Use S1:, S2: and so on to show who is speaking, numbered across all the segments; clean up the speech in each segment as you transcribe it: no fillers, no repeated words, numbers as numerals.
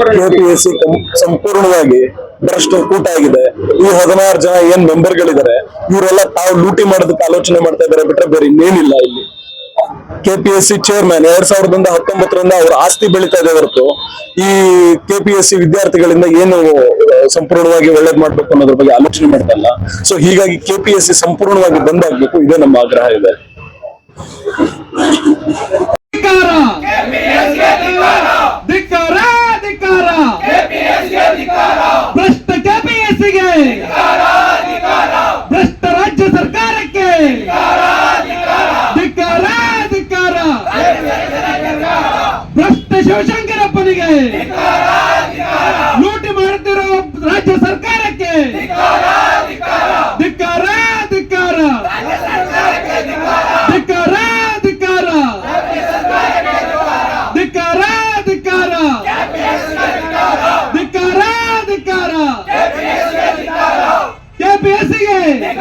S1: KPSC ಸಂಪೂರ್ಣವಾಗಿ ಭ್ರಷ್ಟ ಕೂಟ ಆಗಿದೆ. ಈ 16 ಜನ ಏನ್ ಮೆಂಬರ್ಗಳಿದ್ದಾರೆ ಇವರೆಲ್ಲ ತಾವು ಲೂಟಿ ಮಾಡೋದಕ್ಕೆ ಆಲೋಚನೆ ಮಾಡ್ತಾ ಇದ್ದಾರೆ ಬಿಟ್ರೆ ಬೇರೆ ಇನ್ನೇನಿಲ್ಲ. ಇಲ್ಲಿ ಕೆಪಿಎಸ್ಸಿ ಚೇರ್ಮನ್ 2019ರಿಂದ ಅವರ ಆಸ್ತಿ ಬೆಳೀತಾ ಇದೆ ಹೊರತು ಈ ಕೆಪಿಎಸ್ಸಿ ವಿದ್ಯಾರ್ಥಿಗಳಿಂದ ಏನು ಸಂಪೂರ್ಣವಾಗಿ ಒಳ್ಳೇದ್ ಮಾಡ್ಬೇಕು ಅನ್ನೋದ್ರ ಬಗ್ಗೆ ಆಲೋಚನೆ ಮಾಡ್ತಾ ಇಲ್ಲ. ಸೊ ಹೀಗಾಗಿ ಕೆಪಿಎಸ್ಸಿ ಸಂಪೂರ್ಣವಾಗಿ ಬಂದ್ ಆಗ್ಬೇಕು, ಇದೇ ನಮ್ಮ ಆಗ್ರಹ ಇದೆ.
S2: ಭ್ರಷ್ಟ ಕೆಪಿಎಸ್ಸಿಗೆ, ಭ್ರಷ್ಟ ರಾಜ್ಯ ಸರ್ಕಾರಕ್ಕೆ ಧಿಕ್ಕಾರ, ಧಿಕ್ಕಾರ. ಭ್ರಷ್ಟ ಶಿವಶಂಕರಪ್ಪನಿಗೆ, ಲೂಟಿ ಮಾಡುತ್ತಿರೋ ರಾಜ್ಯ ಸರ್ಕಾರಕ್ಕೆ ಧಿಕ್ಕಾರ, ಧಿಕ್ಕಾರ, ಧಿಕ್ಕಾರ, ಧಿಕ್ಕಾರ, ಧಿಕ್ಕಾರ, ಧಿಕ್ಕಾರ, ಧಿಕ್ಕಾರ, ಧಿಕ್ಕಾರ. ಕೆಪಿಎಸ್ಸಿಗೆ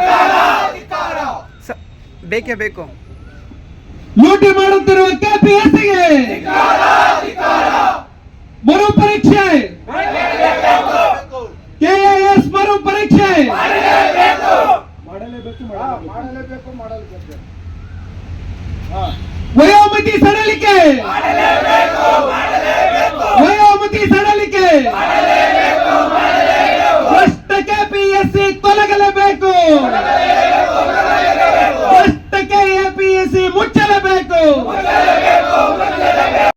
S3: ಬೇಕೇ ಬೇಕು.
S2: ಲೂಟಿ ಮಾಡುತ್ತಿರುವ ಕೆಪಿಎಸ್ಸಿಗೆ ಮರು ಪರೀಕ್ಷೆ, ಕೆಎಎಸ್ ಮರು ಪರೀಕ್ಷೆ ವಯೋಮಿತಿ ಸಡಲಿಕೆ, ವಯೋಮಿತಿ ಸಡಲಿಕೆ